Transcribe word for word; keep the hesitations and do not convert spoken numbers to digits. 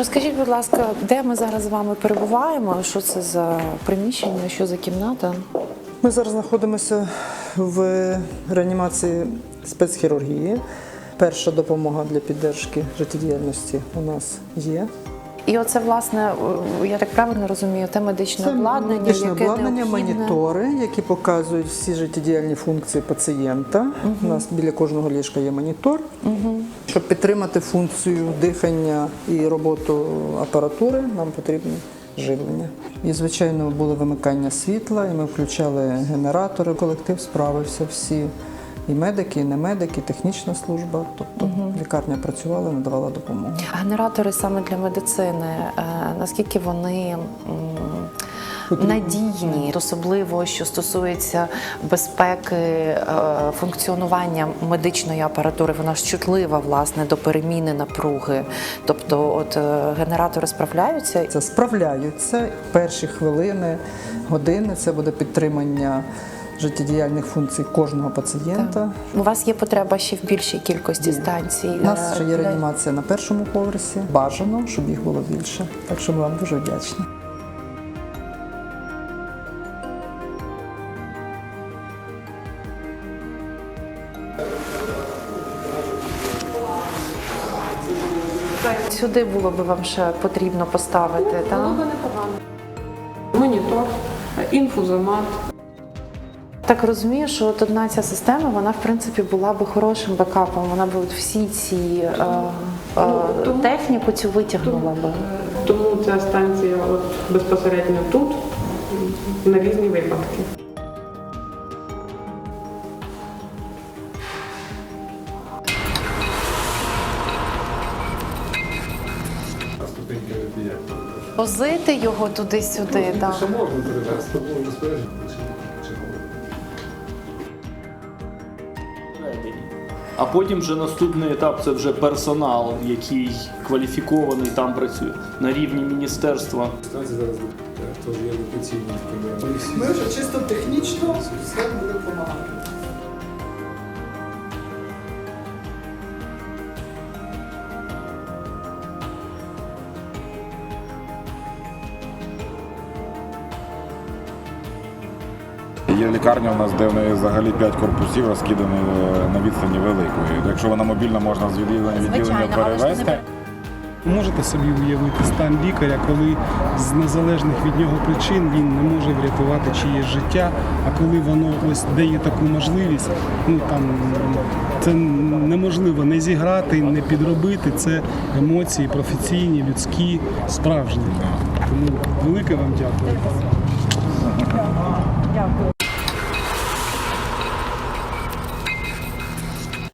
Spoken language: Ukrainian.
Розкажіть, будь ласка, де ми зараз з вами перебуваємо? Що це за приміщення, що за кімната? Ми зараз знаходимося в реанімації спецхірургії. Перша допомога для підтримки життєдіяльності у нас є. І оце, власне, я так правильно розумію, те медичне Це обладнання, медичне яке обладнання, необхідне? монітори, які показують всі життєдіяльні функції пацієнта. Угу. У нас біля кожного ліжка є монітор. Угу. Щоб підтримати функцію дихання і роботу апаратури, нам потрібно живлення. І, звичайно, було вимикання світла, і ми включали генератори. Колектив справився всі. І медики, і не медики, технічна служба. Тобто угу. лікарня працювала, надавала допомогу. Генератори саме для медицини, наскільки вони надійні, особливо, що стосується безпеки функціонування медичної апаратури, вона ж чутлива, власне, до переміни напруги. Тобто, от генератори справляються? Це справляються. Перші хвилини, години – це буде підтримання життєдіяльних функцій кожного пацієнта. Так. У вас є потреба ще в більшій кількості станцій? У нас ще є реанімація на першому поверсі. Бажано, щоб їх було більше. Так що ми вам дуже вдячні. Сюди було б вам ще потрібно поставити, ну, так? Було б непогано. Монітор, інфузомат. Так розумію, що от одна ця система, вона в принципі була би хорошим бекапом, вона б от всі ці е, е, тому, техніку цю витягнула би. Тому ця станція от безпосередньо тут, на різні випадки. Возити його туди-сюди, так. Ще можна перевезти, можна спорядження. А потім вже наступний етап – це вже персонал, який кваліфікований там працює на рівні міністерства. Станція зараз теж є локаційні такі. Ми вже чисто технічно все буде допомагати. Є лікарня у нас, де в неї взагалі п'ять корпусів розкидані на відстані великої. Якщо вона мобільна, можна з відділення відділення перевезти. Можете собі уявити стан лікаря, коли з незалежних від нього причин він не може врятувати чиєсь життя, а коли воно ось дає таку можливість, ну там це неможливо не зіграти, не підробити. Це емоції професійні, людські, справжні. Тому велике вам дякую.